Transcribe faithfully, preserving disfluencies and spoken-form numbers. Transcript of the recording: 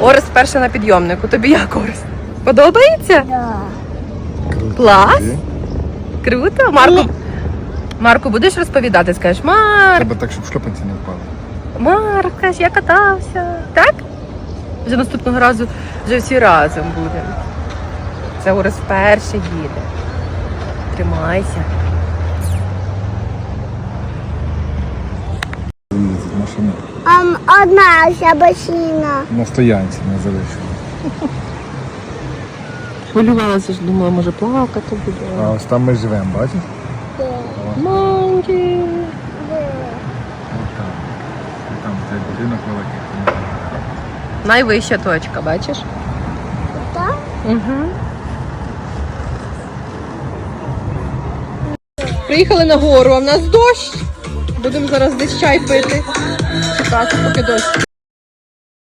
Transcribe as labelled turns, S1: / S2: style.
S1: Орес перша на підйомнику. Тобі як, Орес? Подобається?
S2: Да.
S1: Клас? Круто. Марку, Марку, будеш розповідати? Скажеш, Марк,
S3: Треба так, щоб шльопанці не впали.
S1: Марк, скажеш, я катався. Так? Вже наступного разу вже всі разом будемо. Це Орес вперше їде. Тримайся.
S3: Машина
S2: Um, одна вся басіна.
S3: на стоянці не залишила.
S1: Хвилювалася ж, думала, може плакати буде.
S3: А ось там ми живемо, бачиш?
S1: Маньки.
S3: Ось там. І там цей будинок великий.
S1: Найвища точка, бачиш?
S2: Так?
S1: Угу. Приїхали на гору, а в нас дощ. Будемо зараз десь чай пити. Чекати, поки дощ.